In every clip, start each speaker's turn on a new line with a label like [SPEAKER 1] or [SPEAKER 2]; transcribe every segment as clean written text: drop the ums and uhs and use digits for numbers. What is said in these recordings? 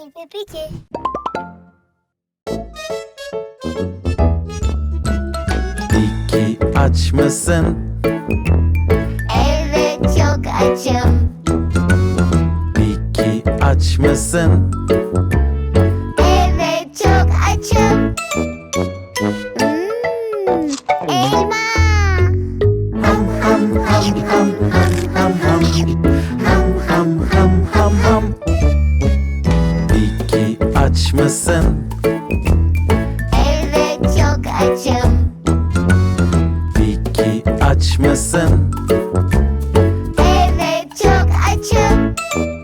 [SPEAKER 1] Peki.
[SPEAKER 2] Peki aç mısın?
[SPEAKER 1] Evet, çok açım.
[SPEAKER 2] Peki aç mısın?
[SPEAKER 1] Evet, çok açım. Elma.
[SPEAKER 2] Ham ham ham ham ham ham ham. Ham ham ham ham ham. Peki aç mısın?
[SPEAKER 1] Evet, çok açım.
[SPEAKER 2] Peki aç mısın?
[SPEAKER 1] Evet, çok açım.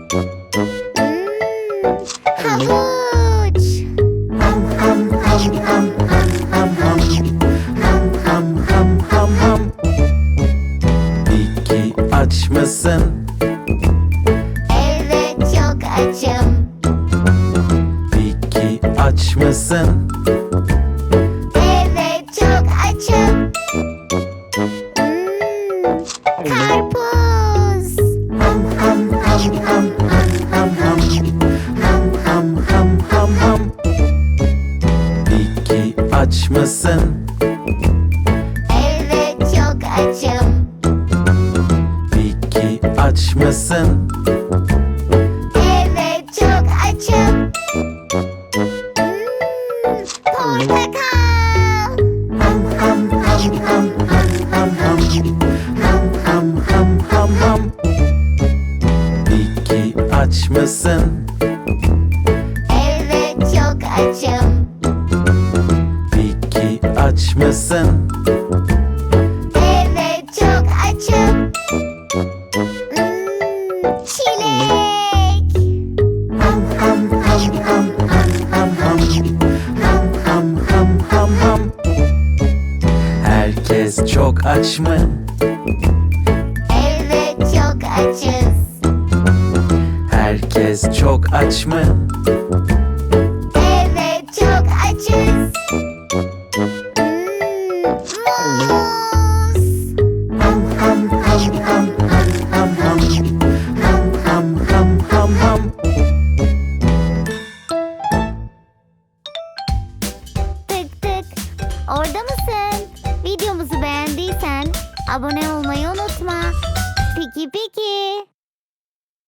[SPEAKER 1] Havuç.
[SPEAKER 2] Ham ham ham ham ham ham ham. Ham ham ham ham ham. Peki aç mısın?
[SPEAKER 1] Evet, çok açım.
[SPEAKER 2] Peki aç mısın?
[SPEAKER 1] Evet, çok açım. Karpuz.
[SPEAKER 2] Ham ham ham ham ham ham ham. Ham ham ham ham ham. Peki aç mısın?
[SPEAKER 1] Evet, çok açım.
[SPEAKER 2] Peki aç mısın?
[SPEAKER 1] Evet, çok açım. Portakal.
[SPEAKER 2] Ham ham ham ham ham ham ham. Ham ham ham ham ham. Peki aç mısın?
[SPEAKER 1] Evet, çok açım.
[SPEAKER 2] Peki aç mısın?
[SPEAKER 1] Evet, çok açım. Çilek.
[SPEAKER 2] Ham ham ham ham ham ham ham. Ham ham ham ham ham. Herkes çok aç mı?
[SPEAKER 1] Evet, çok açız.
[SPEAKER 2] Herkes çok aç mı?
[SPEAKER 1] Evet, çok açız. Muz.
[SPEAKER 2] Ham ham ham ham ham ham ham. Ham ham ham ham ham.
[SPEAKER 1] Tık tık. Orada mısın? Videomuzu beğendiysen abone olmayı unutma. Peki.